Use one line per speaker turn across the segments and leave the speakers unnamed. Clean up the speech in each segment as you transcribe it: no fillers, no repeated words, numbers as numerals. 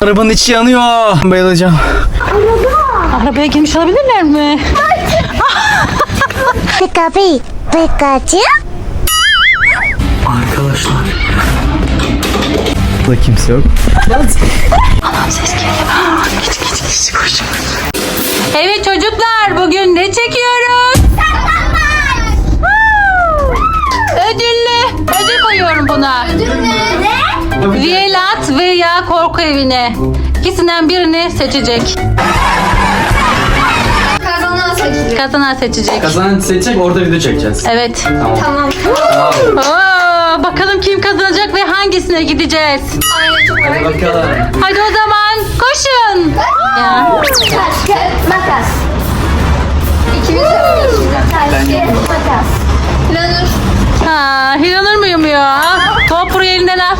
Arabanın içi yanıyor. Bayılacağım.
Arabaya girmiş olabilirler mi?
Pikachu.
Arkadaşlar. Burada kimse yok.
Anam ses geliyor. Geç koş. Evet çocuklar, bugün ne çekiyoruz? Ödül koyuyorum buna. Vielat veya korku evine. İkisinden birini seçecek. Kazanan seçecek.
Kazanan seçecek, orada video çekeceğiz.
Evet.
Tamam.
Oo, bakalım kim kazanacak ve hangisine gideceğiz?
Hadi bakalım.
Hadi o zaman koşun. Ya.
Taş, kağıt, makas. İkimiz de yapıyoruz. Taş, kağıt, makas. Planur.
Ha, Hiranur muyum ya? Top buraya elinden al.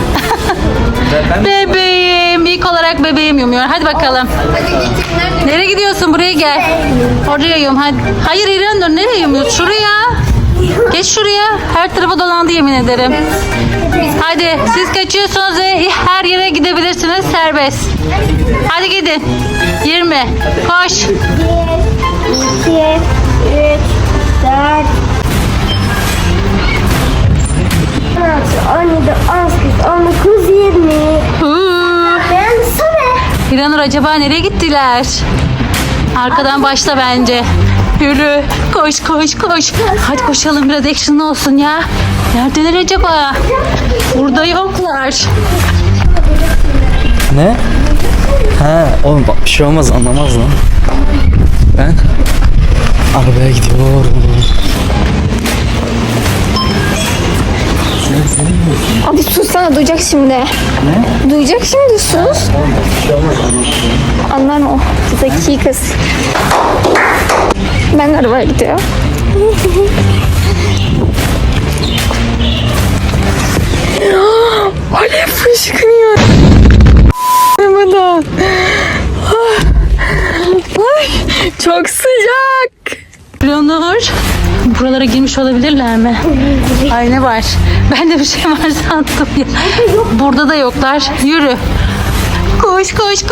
Bebeğim. İlk olarak bebeğim yumuyor. Hadi bakalım.
Hadi git. Nerede?
Nereye gidiyorsun? Buraya gel. Oraya yum hadi. Hayır Hiranur, nereye yumuyorsun? Şuraya. Geç şuraya. Her tarafa dolandı yemin ederim. Hadi siz kaçıyorsunuz ve her yere gidebilirsiniz. Serbest. Hadi gidin. 20. Koş.
1, 2, 3, 4, 16, 17, 18, 19, 20. Ben sana.
Hiranur acaba nereye gittiler? Arkadan başla bence. Yürü. Koş. Hadi koşalım, biraz action'lı olsun ya. Neredeler acaba? Burada yoklar.
Ne? Ha, oğlum bak bir şey olmaz, anlamaz lan. Ben arabaya gidiyorum.
Abi sussana, duyacak şimdi. Ne? Duyacak şimdi, sus. Anlar o. Zeki kız. Ben arabaya gidiyorum. Alev fışkırıyor. Arabadan. Ay, çok sıcak.
Hiranur. Buralara girmiş olabilirler mi? Ay ne var? Ben de bir şey var sandım ya. Burada da yoklar. Yürü. Koş.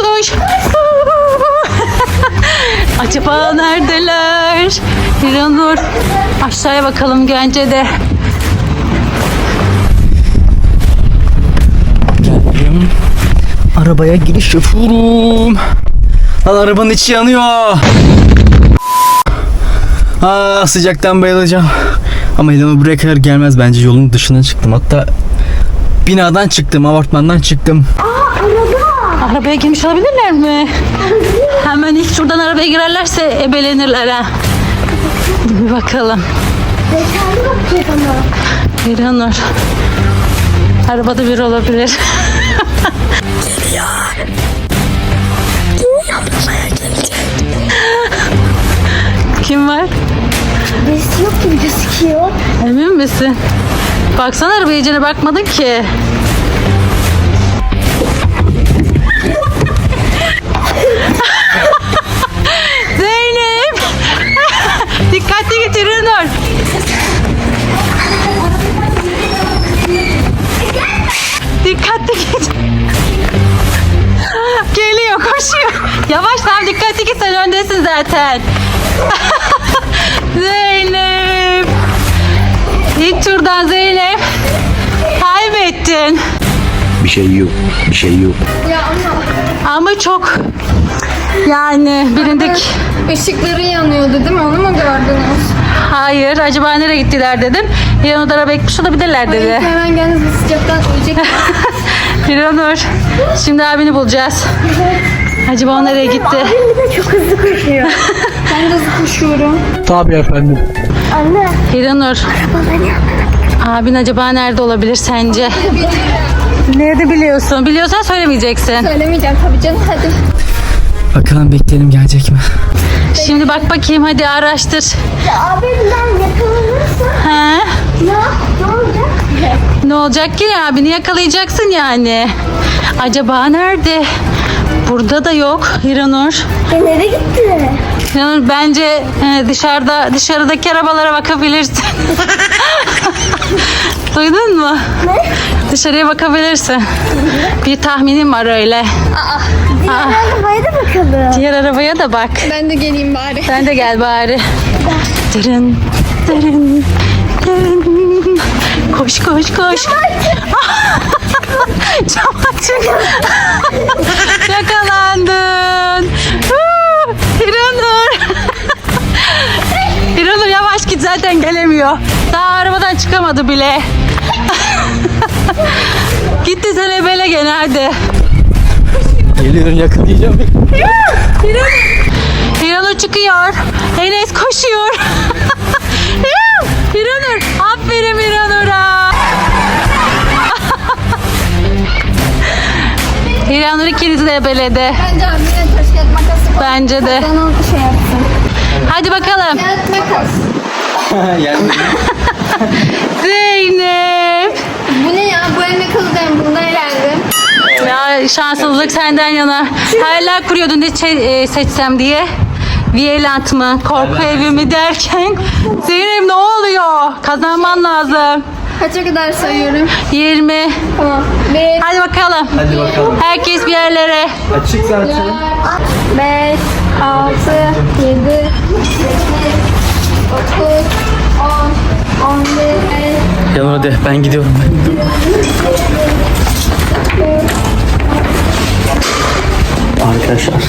Acaba neredeler? Hiranur. Aşağıya bakalım bence de.
Geldim. Arabaya giriş yapıyorum. Lan arabanın içi yanıyor. Sıcaktan bayılacağım. Ama Hiranur buraya kadar gelmez bence, yolun dışına çıktım. Hatta binadan çıktım, apartmandan çıktım.
Arabaya girmiş olabilirler mi? Hemen ilk şuradan arabaya girerlerse ebelenirler ha. Bir bakalım.
Detaylı bakacağız ama.
Hiranur. Arabada biri olabilir. Kim var?
Birisi yok gibi gözüküyor.
Emin misin? Baksana arabaya, iyicene bakmadın ki. Zeynep! Dikkatli git Hiranur. Dikkatli git. Geliyor, koşuyor. Yavaş, tamam, dikkatli git, sen öndesin zaten. Zeynep. İlk turdan Zeynep. Kaybettin.
Bir şey yok.
Ya
Ama çok, yani bilindik.
Işıkları yanıyordu değil mi? Onu mu gördünüz?
Hayır, acaba nereye gittiler dedim. Hiranur da arabaya gitmiş olabilirler dedi.
Hemen geliniz, sıcaktan ölecek.
Hiranur, şimdi abini bulacağız. Acaba o nereye gitti?
bir de çok hızlı koşuyor.
Ben de hızlı koşuyorum.
Tabii efendim.
Anne.
Hiranur, abin acaba nerede olabilir sence? Nerede biliyorsun? Biliyorsan söylemeyeceksin.
Söylemeyeceğim tabii canım, hadi.
Bakalım bekleyelim, gelecek mi?
Şimdi bak bakayım, hadi araştır.
Ya abimden yakalanırsa
He?
ya ne olacak?
Ne olacak ki, abini yakalayacaksın yani. Acaba nerede? Burada da yok Hiranur.
Nereye gitti?
İnanın bence dışarıdaki arabalara bakabilirsin. Duydun mu?
Ne?
Dışarıya bakabilirsin. Bir tahminim var öyle.
Diğer arabaya da bakalım.
Diğer arabaya da bak.
Ben de geleyim bari.
Sen de gel bari. Dırın, dırın, dırın. Koş koş koş. Cam açık. Yakalandın. İranur. İranur yavaş git, zaten gelemiyor. Daha arabadan çıkamadı bile. Gitti sen ebele gene hadi.
Geliyorum, yakalayacağım.
İranur çıkıyor. Enes koşuyor. İranur. Aferin İranur'a. İranur ikinizi de ebeledi.
Bence abi yine taş kağıt makas yapalım.
Bence de.
Kazanan şey yapsın.
Hadi bakalım.
Kağıt makas.
Yani
Zeynep.
Bu ne ya? Bu elime kalacağım. Bundan elendim.
Ya şanssızlık senden yana. Hayaller kuruyordun ne seçsem diye. Viyelant mı? Korku evi mi derken. Zeynep ne oluyor? Kazanman lazım.
Kaça kadar sayıyorum?
20.
Tamam. 1,
Hadi bakalım.
hadi bakalım.
Herkes bir yerlere.
Açık zaten.
5, 6, 7, 8, 9, 10, 11,
Yanur hadi, ben gidiyorum. Arkadaşlar,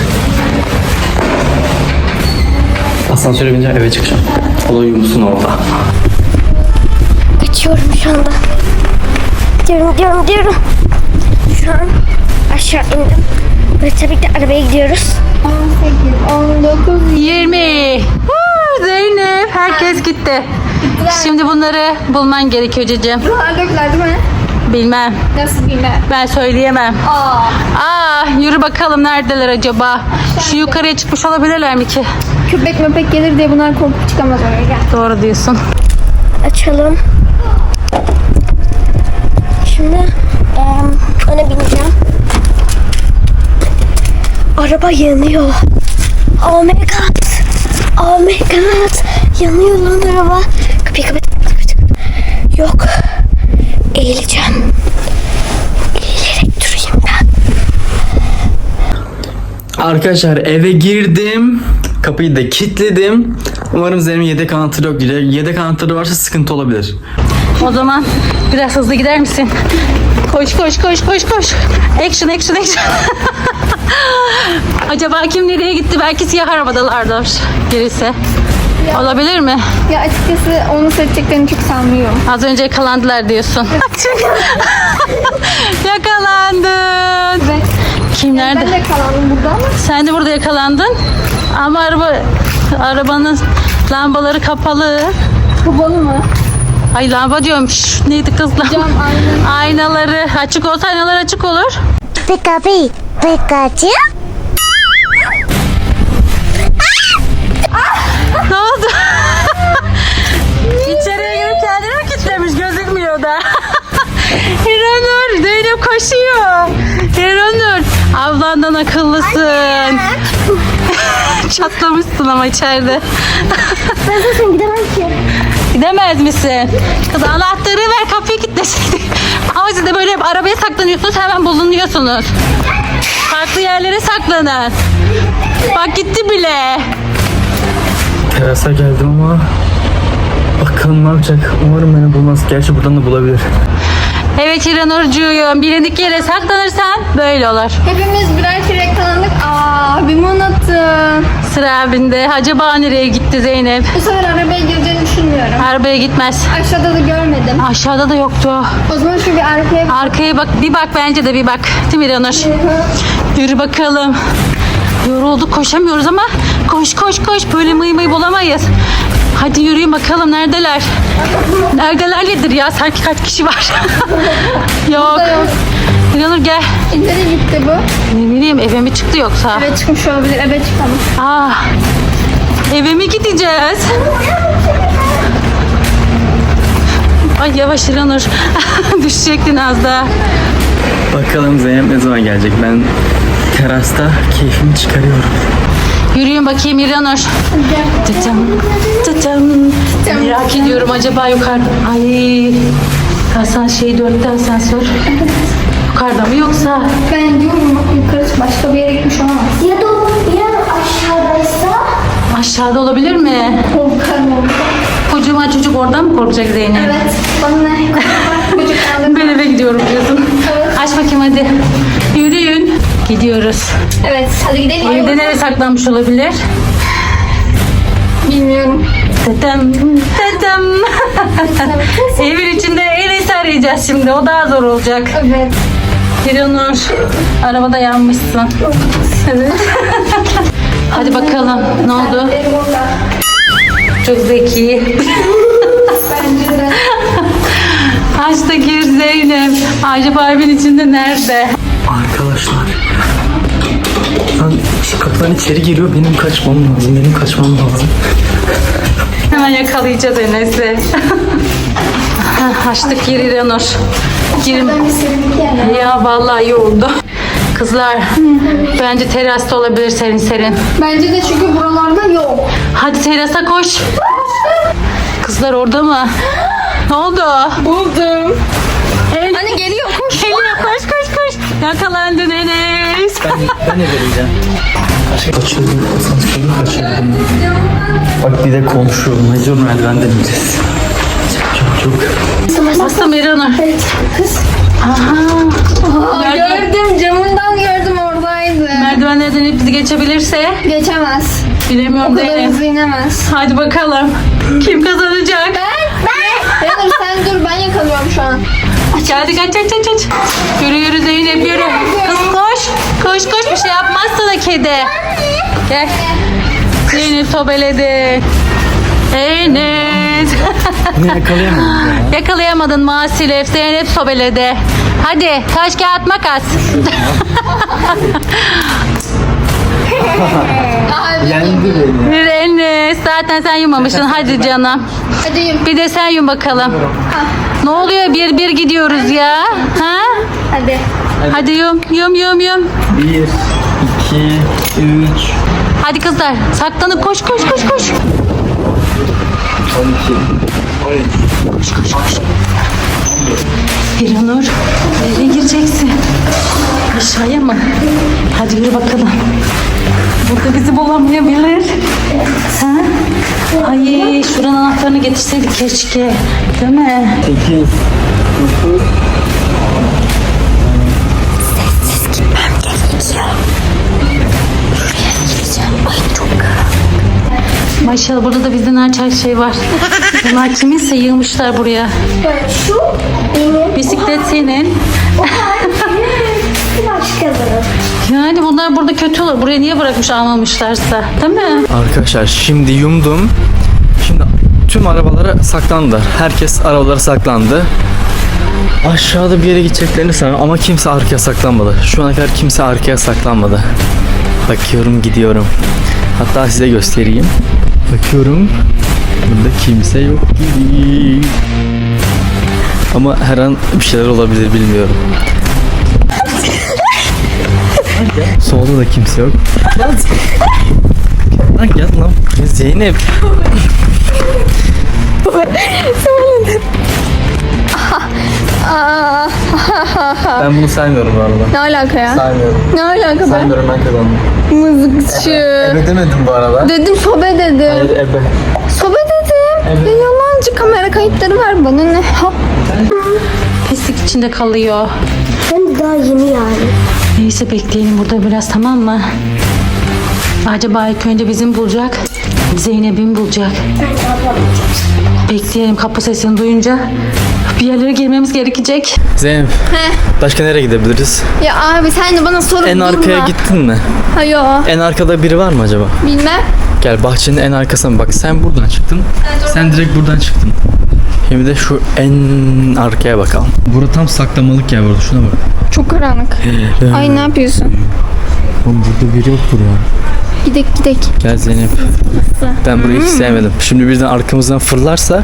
asansöre bineceğim, eve çıkacağım. Olay musun orada?
Geçiyorum şu anda. Diyorum. Şu an aşağı indim. Ve tabii ki de arabaya gidiyoruz.
18, 19,
20. Zeynep herkes gitti. Şimdi bunları bulman gerekiyor cicim.
buralar döküler değil mi?
Bilmem.
Nasıl bilmem.
Ben söyleyemem.
Aa,
Yürü bakalım neredeler acaba? Şu yukarıya çıkmış olabilirler mi ki?
köpek möpek gelir diye bunlar korkup çıkamaz oraya, gel.
Doğru diyorsun.
Açalım. Şimdi ona bineceğim. Araba yanıyor. Oh my god. Oh my god. Yanıyor lan araba. Kapıyı kapat. Yok. Eğileceğim. Eğilerek durayım ben.
Arkadaşlar, eve girdim. Kapıyı da kilitledim. Umarım Zeynep'in yedek anahtarı yok. Yedek anahtarı varsa sıkıntı olabilir.
O zaman biraz hızlı gider misin? Koş. Action. Acaba kim nereye gitti? Belki siyah arabadalardır birisi. Olabilir mi?
Ya açıkçası onu seçeceklerini çok sanmıyorum.
Az önce yakalandılar diyorsun. Yakalandın.
Evet.
Kim nerede?
Ben de kalandım burada ama.
Sen de burada yakalandın. Ama arabanın lambaları kapalı.
Kapalı mı?
Ay lamba diyorum. Şş, neydi kız lamba?
Cam, ayna.
Aynaları açık olsa aynalar açık olur.
Pikachu.
Ne oldu? İçeriye girip kendini mi kilitlemiş, gözükmüyor da. İranur, Zeynep koşuyor. İranur, ablandan akıllısın. Çatlamışsın ama içeride.
Ben zaten gidemem ki.
Gidemez misin? Kız anahtarı ver, kapıyı kilitlesin. Ama siz de böyle hep arabaya saklanıyorsunuz, hemen bulunuyorsunuz. Farklı yerlere saklanın. Bak gitti bile.
Terasa geldim ama bakalım ne yapacak. Umarım beni bulmaz. Gerçi buradan da bulabilir.
Evet İranurcuğum, bilindik yere saklanırsan böyle olur.
Hepimiz birer kere yakalandık. Aa, abimi unuttum.
Sıra abinde. Acaba nereye gitti Zeynep?
Bu sefer arabaya gireceğini düşünmüyorum.
Arabaya gitmez.
Aşağıda da görmedim.
Aşağıda da yoktu.
O zaman şu bir arkaya
Arkaya bak, bir bak bence de bir bak. Değil mi İranur? Yürü bakalım. Yorulduk, koşamıyoruz ama koş. Böyle mıy bulamayız. Hadi yürüyün bakalım, neredeler? Neredeler nedir ya? Sanki kaç kişi var? Yok.
yok.
İranur gel.
Nereye gitti bu?
Ne bileyim, eve mi çıktı yoksa?
Eve çıkmış olabilir. Eve çıkalım.
Eve mi gideceğiz? Ay yavaş İranur. Düşecektin az daha.
Bakalım Zeynep ne zaman gelecek. Ben terasta keyfimi çıkarıyorum.
Yürüyün bakayım İranur. Tıtım, tıtım. Merak ediyorum acaba yukarıda. Ay. Asansör 4'te asansör. Yukarıda mı yoksa?
Ben diyorum yukarı başka bir yere gitmiş olamaz.
Ya da ya aşağıdaysa?
Aşağıda olabilir mi?
Korkarım.
Kocaman çocuk oradan mı korkacak Zeynep?
Evet. Bana ne? Çocuk aldım.
Ben eve gidiyorum diyorsun.
Evet.
Aç bakayım hadi. Yürüyün. Gidiyoruz.
Evet. Hadi gidelim.
Evde nereye saklanmış olabilir?
Bilmiyorum.
Dedem, dedem. Evin içinde Enes'i arayacağız şimdi. O daha zor olacak.
Evet.
İranur, arabada yanmışsın. Evet. Hadi bakalım. Ne oldu?
Benim orada.
Çok zeki.
Bence de.
Aç da gir Zeynep. Acaba evin içinde nerede?
Arkadaşlar. Lan şu kapıdan içeri giriyor. Benim kaçmam lazım.
Hemen yakalayacağız Enes'i. Açtık gir İranur. Girin.
Ben bir serinlik yerine.
Ya vallahi iyi oldu. Kızlar, bence terasta olabilir serin serin.
Bence de çünkü buralarda yok.
Hadi terasa koş. Kızlar orada mı? Ne oldu?
Buldum.
El,
Anne geliyor koş.
geliyor koş. Yakalandın Enes.
Ben de vereceğim. Kaçırdım. Bak bir de konuşuyorum. Mecbur merdivenden ineceğiz. Çok.
Bastım İranur.
Kız. Gördüm camından gördüm oradaydı.
Merdivenlerden ip bizi geçebilirse
Geçemez.
bilemiyorum
O kadar
Zeynep.
hızlı inemez.
Hadi bakalım. Kim kazanacak?
Yanır sen dur ben yakalıyorum şu an.
Hadi kaç. Yürü Zeynep yürü. Kız koş bir şey yapmaz sana kedi. Gel. Zeynep sobeledi. Enes.
Ne yakalayamadım ya.
Yakalayamadın maalesef. Zeynep sobeledi. Hadi taş kağıt makas.
Yendi beni.
Bir Enes. Zaten sen yumamışsın. Hadi canım.
Hadi yum.
Bir de sen yum bakalım. Ne oluyor? Bir gidiyoruz ya. Ha?
Hadi.
Hadi yum.
1, 2, 3,
Hadi kızlar saklanıp koş.
12.
İranur nereye gireceksin? Aşağıya mı? Hadi yürü bakalım. Burada bizi bulamayabilir. Ha? Ay şuranın anahtarını getirseydik keşke. Değil mi?
8, 9,
Maşallah burada da bizden açar şey var. Bunlar kiminse yığmışlar buraya.
Şu benim.
Bisiklet senin.
Başkaları.
Yani bunlar burada kötü olur. Buraya niye bırakmış almamışlarsa. Değil mi?
Arkadaşlar şimdi yumdum. Şimdi tüm arabalara saklandılar. Herkes arabalara saklandı. Aşağıda bir yere gideceklerini sanıyorum ama kimse arkaya saklanmadı. Şu ana kadar kimse arkaya saklanmadı. Bakıyorum gidiyorum. Hatta size göstereyim. Bakıyorum. Burada kimse yok gibi. Ama her an bir şeyler olabilir bilmiyorum. Solda da kimse yok. Lan gel lan. Zeynep. Ben bunu saymıyorum bu arada.
Ne alaka ya?
Saymıyorum.
Ne alaka be?
Saymıyorum ben kazandım.
Mızıkçı.
Ebe demedim bu arada.
Dedim sobe dedim.
Hayır ebe.
Sobe dedim.
Evet.
Ya yalancı kamera kayıtları var bana ne? Ha.
Pislik içinde kalıyor.
Hem de daha yeni yani.
Neyse bekleyelim burada biraz tamam mı? Acaba ilk önce bizim bulacak. Zeynep'in bulacak. Bekleyelim kapı sesini duyunca. Bir yerlere girmemiz gerekecek.
Zeynep. Başka nereye gidebiliriz?
Ya abi sen de bana sorup
En arkaya
durma.
gittin mi?
Hayır.
En arkada biri var mı acaba?
Bilmem.
Gel bahçenin en arkasına bak. Sen buradan çıktın. Sen direkt buradan çıktın. Şimdi de şu en arkaya bakalım. Burada tam saklamalık yer burada. Şuna bak.
Çok karanlık. Ay ne yapıyorsun?
Oğlum burada biri yoktur ya.
Gidek.
Gel Zeynep. Ben burayı hiç sevmedim. Şimdi birden arkamızdan fırlarsa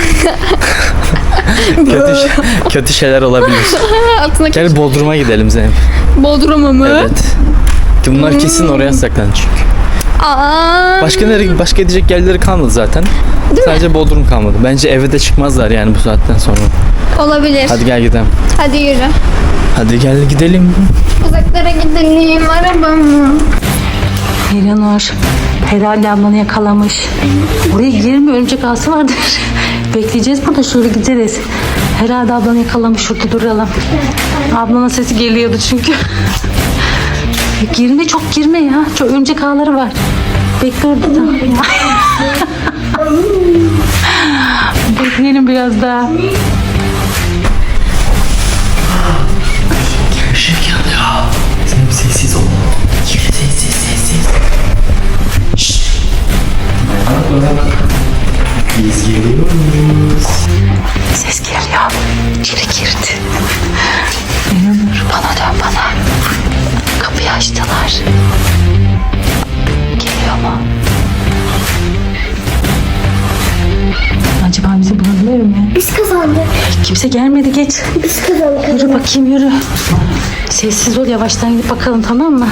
kötü şeyler olabilir.
Altına
Gel Bodrum'a gidelim Zeynep.
Bodrum'a mı?
Evet. Bunlar kesin oraya saklanır çünkü.
Aa,
Başka gidecek yerleri kalmadı zaten. Sadece Bodrum kalmadı. Bence eve de çıkmazlar yani bu saatten sonra.
olabilir.
Hadi gel gidelim.
Hadi yürü.
Hadi gel gidelim.
Uzaklara gidelim arabamı.
Eleanor herhalde ablanı yakalamış. Buraya girme, örümcek ağası vardır. Bekleyeceğiz burada, şöyle gideriz. Herhalde ablanı yakalamış, şurada duralım. Ablanın sesi geliyordu çünkü. Girme, çok girme ya. Çok örümcek ağları var. Bekle orada da. Bekleyelim biraz daha.
Işık yanıyor. Sen sessiz ol. Sessiz. Şşş. Biz geliyoruz.
Ses geliyor. İçeri girdi. Eleanor, bana dön bana. Kapıyı açtılar. Geliyor mu? Acaba bizi bulabilir mi?
Biz kazandık.
Kimse gelmedi, geç.
Biz kazandık.
Yürü bakayım, yürü. Sessiz ol, yavaştan gidip bakalım, tamam mı?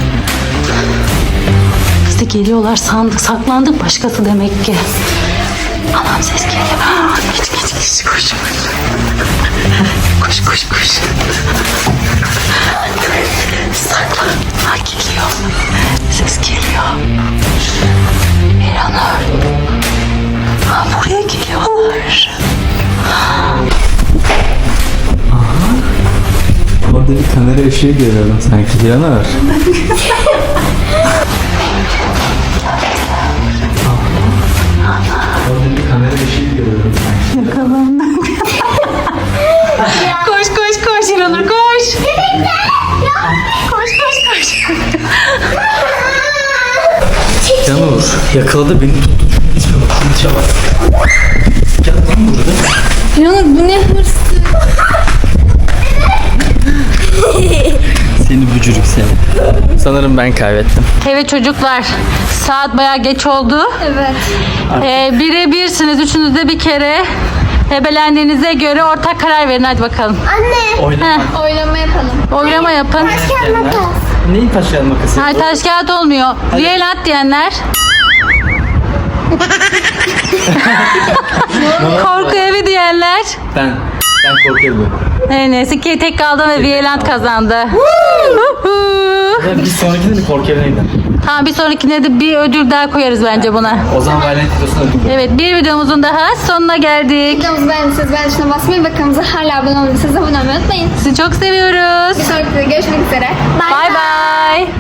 Biz de geliyorlar sandık, saklandık, başkası demek ki. Anam ses geliyor. Geç koş. Koş. Saklan. Ha, geliyor. Ses geliyor. Eleanor. Ha, buraya geliyorlar.
Orada bir kamera ışığı görüyorum sanki. Yanır. Orada bir kamera ışığı görüyorum sanki.
Koş İranur, koş. Koş.
Yanur yakaladı beni tuttu. Çabuk. Gel lan burada.
Yanur bu ne hırs?
Seni bücürük seni. Sanırım ben kaybettim.
Evet çocuklar, saat bayağı geç oldu.
Evet.
Bire birsiniz, üçünüz de bir kere. Ebelendiğinize göre ortak karar verin, hadi bakalım.
Anne.
Oynama.
Oylama yapalım.
Oylama yapın.
Gel makas.
Neyin taş kağıt makası?
Hayır, taş kağıt olmuyor. Viyelant diyenler. Korku evi diyenler.
Ben korkuyorum.
Neyse ki tek kaldım ve Viyelant kazandı.
Bir sonrakinde de korku evine gidelim.
Tamam, bir sonrakine de bir ödül daha koyarız bence buna.
O zaman Valent videosunu ödül.
Evet, bir videomuzun daha sonuna geldik.
Videomuzu beğendiyseniz beğen tuşuna basmayı ve kanalımıza hala abone olmadıysanız abone olmayı unutmayın.
Sizi çok seviyoruz.
Bir sonraki videoda görüşmek üzere.
Bye bye.